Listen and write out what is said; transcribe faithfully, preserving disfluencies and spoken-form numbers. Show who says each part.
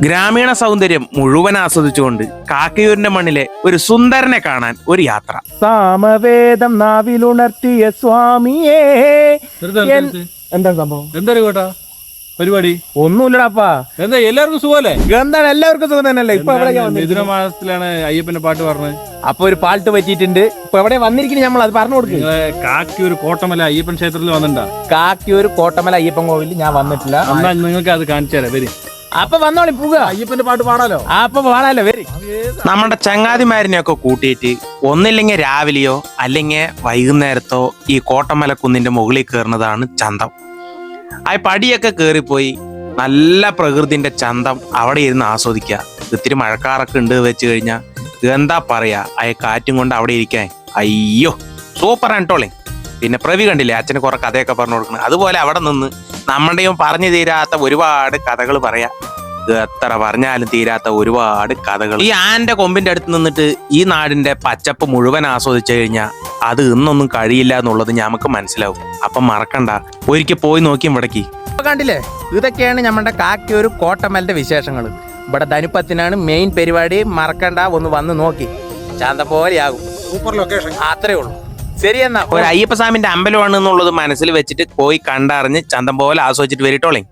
Speaker 1: ഗ്രാമീണ സൗന്ദര്യം മുഴുവൻ ആസ്വദിച്ചുകൊണ്ട് കാക്കയൂരിന്റെ മണ്ണിലെ ഒരു സുന്ദരനെ കാണാൻ ഒരു യാത്ര.
Speaker 2: സാമവേദം നാവിലുണർത്തിയ സ്വാമിയേ. എന്താ സംഭവം?
Speaker 3: എന്താ കേട്ടാ പരിപാടി?
Speaker 2: ഒന്നുമില്ലടാപ്പാ.
Speaker 3: എന്താ എല്ലാവർക്കും സുഖമല്ലേ?
Speaker 2: എന്താണ് എല്ലാവർക്കും സുഖം തന്നെയല്ലേ? ഇപ്പൊ
Speaker 3: മിഥുന മാസത്തിലാണ് അയ്യപ്പന്റെ പാട്ട് പറഞ്ഞത്.
Speaker 2: അപ്പൊ ഒരു പാട്ട് പറ്റിയിട്ടുണ്ട്. ഇപ്പൊ എവിടെ വന്നിരിക്കുന്നു? നമ്മൾ അത് പറഞ്ഞു കൊടുക്കും.
Speaker 3: കാക്കിയൂർ കോട്ടമല അയ്യപ്പൻ ക്ഷേത്രത്തിൽ വന്നിട്ടുണ്ടാ?
Speaker 2: കാക്കിയൂർ കോട്ടമല അയ്യപ്പൻ കോവിലിൽ ഞാൻ വന്നിട്ടില്ല.
Speaker 3: എന്നാ നിങ്ങൾക്ക് അത് കാണിച്ചു തരാം. വരും
Speaker 2: അപ്പൊ വന്നോളി പോവുക.
Speaker 3: അയ്യപ്പന്റെ പാട്ട് പാടാലോ.
Speaker 2: അപ്പൊ പാടാലോ. വരും.
Speaker 1: നമ്മുടെ ചങ്ങാതിമാരിനെയൊക്കെ കൂട്ടിയിട്ട് ഒന്നില്ലെങ്കിൽ രാവിലെയോ അല്ലെങ്കിൽ വൈകുന്നേരത്തോ ഈ കോട്ടമല കുന്നിന്റെ മുകളിൽ കയറുന്നതാണ് ചന്തം. ആ പടിയൊക്കെ കയറിപ്പോയി നല്ല പ്രകൃതിന്റെ ചന്തം അവിടെ ഇരുന്ന് ആസ്വദിക്കുക. ഇത്തിരി മഴക്കാറൊക്കെ ഉണ്ട് വെച്ച് കഴിഞ്ഞാൽ എന്താ പറയാ, ആ കാറ്റും കൊണ്ട് അവിടെ ഇരിക്കാൻ അയ്യോ സൂപ്പറാണ് കേട്ടോളെ. പിന്നെ പ്രവി കണ്ടില്ലേ, അച്ഛന് കുറെ കഥയൊക്കെ പറഞ്ഞു കൊടുക്കുന്നത്. അതുപോലെ അവിടെ നിന്ന് നമ്മുടെയും പറഞ്ഞു തീരാത്ത ഒരുപാട് കഥകൾ പറയാ. എത്ര പറഞ്ഞാലും തീരാത്ത ഒരുപാട് കഥകൾ. ഈ ആന്റെ കൊമ്പിന്റെ അടുത്ത് നിന്നിട്ട് ഈ നാടിന്റെ പച്ചപ്പ് മുഴുവൻ ആസ്വദിച്ചു കഴിഞ്ഞാൽ അത് ഇന്നൊന്നും കഴിയില്ല എന്നുള്ളത് നമുക്ക് മനസ്സിലാവും. അപ്പം മറക്കണ്ട, ഒരിക്കൽ പോയി നോക്കിയും ഇവിടേക്ക്.
Speaker 2: കണ്ടില്ലേ, ഇതൊക്കെയാണ് നമ്മുടെ കാക്കിയൂർ കോട്ടമലിന്റെ വിശേഷങ്ങൾ. ഇവിടെ ധനുപ്പത്തിനാണ് മെയിൻ പരിപാടി. മറക്കണ്ട, ഒന്ന് വന്ന് നോക്കി. ചാന്ത പോലെയാകും.
Speaker 3: Super location.
Speaker 2: അത്രേ ഉള്ളൂ. ശരി എന്നാ.
Speaker 1: ഒരു അയ്യപ്പസ്വാമിന്റെ അമ്പലമാണ് എന്നുള്ളത് മനസ്സിൽ വെച്ചിട്ട് പോയി കണ്ടറിഞ്ഞ് ചന്തം പോലെ ആസ്വദിച്ചിട്ട് വരിട്ടോളേ.